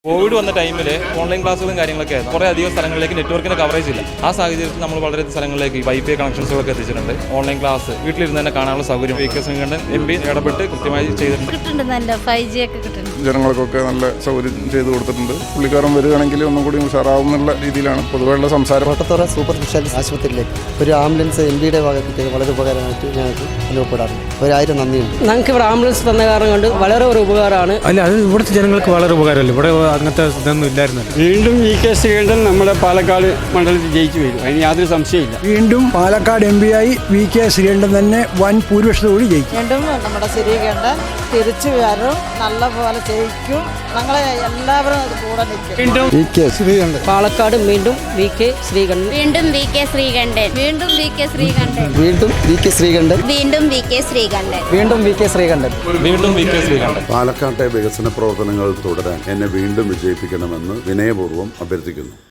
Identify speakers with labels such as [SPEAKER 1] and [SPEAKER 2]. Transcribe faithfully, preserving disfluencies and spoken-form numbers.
[SPEAKER 1] Covid വന്ന ടൈമിൽ online ക്ലാസ്സുകളും കാര്യങ്ങളൊക്കെ ആയിരുന്നു. കുറേ അധികം സ്ഥലങ്ങളിലേക്ക് നെറ്റ്വർക്കിന്റെ കവറേജ് ഇല്ല. ആ സാഹചര്യത്തിൽ നമ്മൾ വളരെ സ്ഥലങ്ങളിലേക്ക് വൈഫൈ കണക്ഷൻസുകളൊക്കെ എത്തിച്ചിട്ടുണ്ട്. ഓൺലൈൻ ക്ലാസ് വീട്ടിലിരുന്ന് തന്നെ കാണാനുള്ള സൗകര്യം V K Sreekandan M P ഇടപെട്ട് കൃത്യമായി ചെയ്തിട്ടുണ്ട്.
[SPEAKER 2] നല്ല ഫൈവ് ജി ഒക്കെ കിട്ടുന്നുണ്ട്.
[SPEAKER 3] ജനങ്ങൾക്കൊക്കെ നല്ല സൗകര്യം ചെയ്തു കൊടുത്തിട്ടുണ്ട്. പുള്ളിക്കാരൻ വരികയാണെങ്കിൽ ഒന്നും കൂടി ഉഷാറാവും എന്നുള്ള രീതിയിലാണ് പൊതുവെയുള്ള സംസാരം.
[SPEAKER 4] കോട്ടത്തറ സൂപ്പർ സ്പെഷ്യാലിറ്റി ആശുപത്രിയിലേക്ക് ഒരു ആംബുലൻസ് എം പിയുടെ ഭാഗത്തേക്ക് വളരെ ഉപകാരമായിട്ട് ഞങ്ങൾക്ക് അനുഭവപ്പെടാറുണ്ട്. ഒരായിരം നന്ദിയുണ്ട്.
[SPEAKER 5] ഞങ്ങൾക്ക് ഇവിടെ ആംബുലൻസ് തന്ന കാരണം കൊണ്ട് വളരെ ഒരു ഉപകാരമാണ്.
[SPEAKER 6] അല്ല, അത് ഇവിടുത്തെ ജനങ്ങൾക്ക് വളരെ ഉപകാരമല്ല. ഇവിടെ അങ്ങനത്തെ ഇതൊന്നും ഇല്ലായിരുന്നു.
[SPEAKER 7] വീണ്ടും വി കെ ശ്രീകണ്ഠൻ നമ്മുടെ പാലക്കാട് മണ്ഡലത്തിൽ ജയിച്ചു വരും, അതിന് യാതൊരു സംശയമില്ല.
[SPEAKER 8] വീണ്ടും പാലക്കാട് എം പി ആയി വി കെ ശ്രീകണ്ഠൻ തന്നെ വൻ ഭൂരിപക്ഷത്തോട് ജയിക്കും.
[SPEAKER 9] വീണ്ടും നമ്മുടെ ശ്രീകണ്ഠൻ തിരിച്ചു വരും, നല്ല പോലെ ജയിക്കും. ഞങ്ങളെ എല്ലാവരും അത് കൂടെ നിൽക്കും.
[SPEAKER 5] വീണ്ടും
[SPEAKER 4] വി കെ ശ്രീകണ്ഠൻ
[SPEAKER 5] പാലക്കാട് വീണ്ടും വി കെ ശ്രീകണ്ഠൻ
[SPEAKER 2] വീണ്ടും വി കെ ശ്രീകണ്ഠൻ വീണ്ടും വി കെ ശ്രീകണ്ഠൻ
[SPEAKER 4] വീണ്ടും വി കെ ശ്രീകണ്ഠൻ
[SPEAKER 2] വീണ്ടും വി കെ ശ്രീകണ്ഠൻ
[SPEAKER 4] വീണ്ടും വി കെ ശ്രീകണ്ഠൻ
[SPEAKER 1] വീണ്ടും വി കെ ശ്രീകണ്ഠൻ.
[SPEAKER 10] പാലക്കാട്ടെ വികസന പ്രവർത്തനങ്ങൾ തുടരാൻ എന്നെ വീണ്ടും വിജയിപ്പിക്കണമെന്ന് വിനയപൂർവ്വം അഭ്യർത്ഥിക്കുന്നു.